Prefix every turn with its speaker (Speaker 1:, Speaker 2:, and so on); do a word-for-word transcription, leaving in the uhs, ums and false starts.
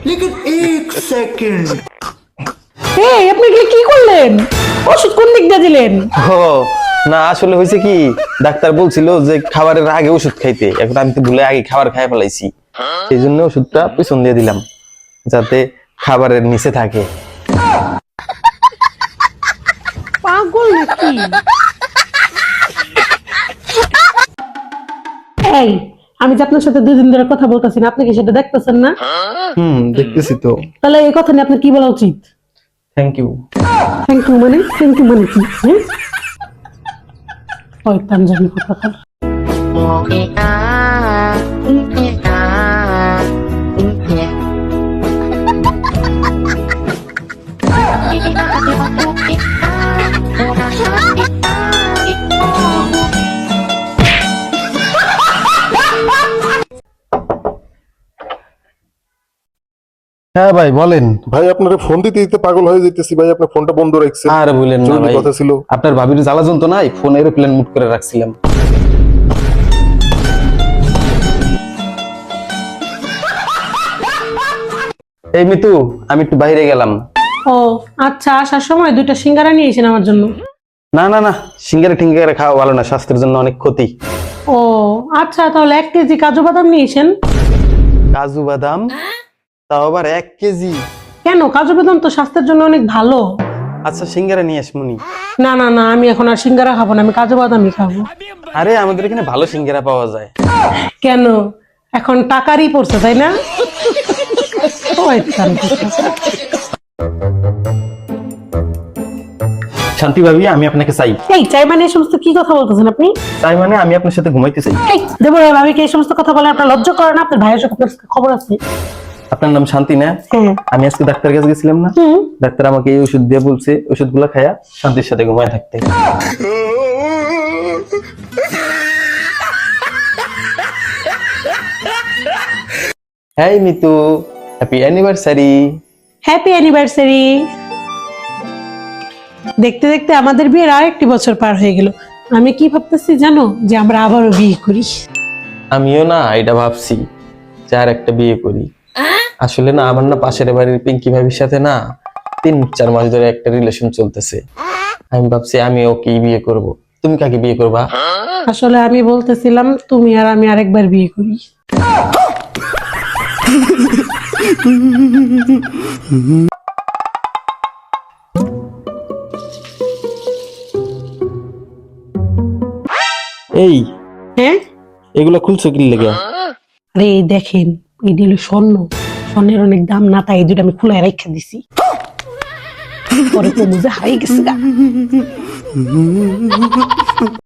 Speaker 1: लेकिन एक सेकंड
Speaker 2: এই আপনি এগুলো কি করলেন? ওষুধ কোন দিক দিয়ে দিলেন?
Speaker 3: ও না, আসলে হয়েছে কি, ডাক্তার বলছিল যে খাবারের আগে ওষুধ খাইতে, এখন আমি তো ভুলে আগে খাবার খাই ফেলাইছি, এই জন্য ওষুধটা পেছন দিয়ে দিলাম যাতে খাবারের নিচে থাকে।
Speaker 2: পাগল নাকি? এই আমি যে আপনার সাথে দুদিন ধরে কথা বলতেছি না, আপনি কি সেটা দেখতেছেন না?
Speaker 3: হুম, দেখতেছি তো।
Speaker 2: তাহলে এই কথা নিয়ে আপনার কি বলা উচিত?
Speaker 3: Thank you.
Speaker 2: থ্যাংক ইউ মানে থ্যাংক ইউ মানে কি? হ্যাঁ ওই পাঞ্জাবি কথা।
Speaker 3: হ্যাঁ ভাই বলেন।
Speaker 4: ভাই আপনারা ফোন দিতে দিতে পাগল হয়ে যাইতেছি ভাই, আপনার ফোনটা বন্ধ রাখছেন।
Speaker 3: আর বলেন না
Speaker 4: জরুরি
Speaker 3: ভাই,
Speaker 4: কথা ছিল।
Speaker 3: আপনার ভাবির জ্বালা যন্ত্রণায় ফোন এরোপ্লেন মুড করে রাখছিলাম। এই মিতু, আমি একটু বাইরে গেলাম।
Speaker 2: ও আচ্ছা, আসার সময় দুইটা সিঙ্গারা নিয়ে এসেন আমার জন্য।
Speaker 3: না না না, সিঙ্গারা টিঙ্গারা খাওয়া ভালো না, স্বাস্থ্যের জন্য অনেক ক্ষতি।
Speaker 2: ও আচ্ছা, তাহলে এক কেজি কাজু বাদাম নিয়ে এসেন।
Speaker 3: কাজু বাদাম? তাও আবার এক কেজি?
Speaker 2: কেন, কাজু বাদাম তো স্বাস্থ্যের জন্য অনেক ভালো।
Speaker 3: আচ্ছা সিঙ্গারা নিয়ে আসমুনি।
Speaker 2: না না না, আমি এখন আর সিঙ্গারা খাবো না, আমি কাজু বাদামই খাবো।
Speaker 3: আরে আমাদের এখানে ভালো সিঙ্গারা পাওয়া যায়।
Speaker 2: কেন, এখন টাকারই পড়ছে তাই না? ওই তার কথা।
Speaker 3: শান্তি ভাবি, আমি আপনাকে চাই।
Speaker 2: এই চাই মানে এই সমস্ত কি কথা বলতেছেন আপনি?
Speaker 3: চাই মানে আমি আপনার সাথে ঘুমাইতে চাই।
Speaker 2: এই দেবরায় ভাবিকে এই সমস্ত কথা বলে আপনার লজ্জা করে না? আপনার ভাইয়ের সাথে আপনার খবর আছে?
Speaker 3: আপনার নাম শান্তি না?
Speaker 2: হ্যাঁ।
Speaker 3: আমি আজকে ডাক্তার কাছে গেছিলাম না,
Speaker 2: হুম।
Speaker 3: ডাক্তার আমাকে এই ওষুধ দিয়ে বলছে ওষুধগুলো খায়া শান্তির সাথে ঘুমায় থাকতে। হ্যাঁ Mitu, happy anniversary.
Speaker 2: Happy anniversary. দেখতে দেখতে আমাদের বিয়ের আরেকটি বছর পার হয়ে গেল। আমি কি ভাবতেছি জানো, যে আমরা আবারও বিয়ে করি।
Speaker 3: আমিও না এটা ভাবছি যে আর একটা বিয়ে করি। আসলে না আমার না পাশের বাড়ির পিঙ্কি ভাবির সাথে না তিন চার মাস ধরে একটা রিলেশন চলতেছে। আমি ভাবছি আমি ওকে বিয়ে করব। তুমি কাকে বিয়ে করবা?
Speaker 2: আসলে আমি বলতেছিলাম তুমি আর আমি আরেকবার বিয়ে করি।
Speaker 3: এই
Speaker 2: হ্যাঁ,
Speaker 3: এগুলা খুলছো কি লেগে?
Speaker 2: আরে এই দেখেন, এই দিল স্বর্ণ, স্বর্ণের অনেক দাম না, তাই এই দুটো আমি খোলায় রেখে দিছি। পরে তো বুঝে হারিয়ে গেছে গা।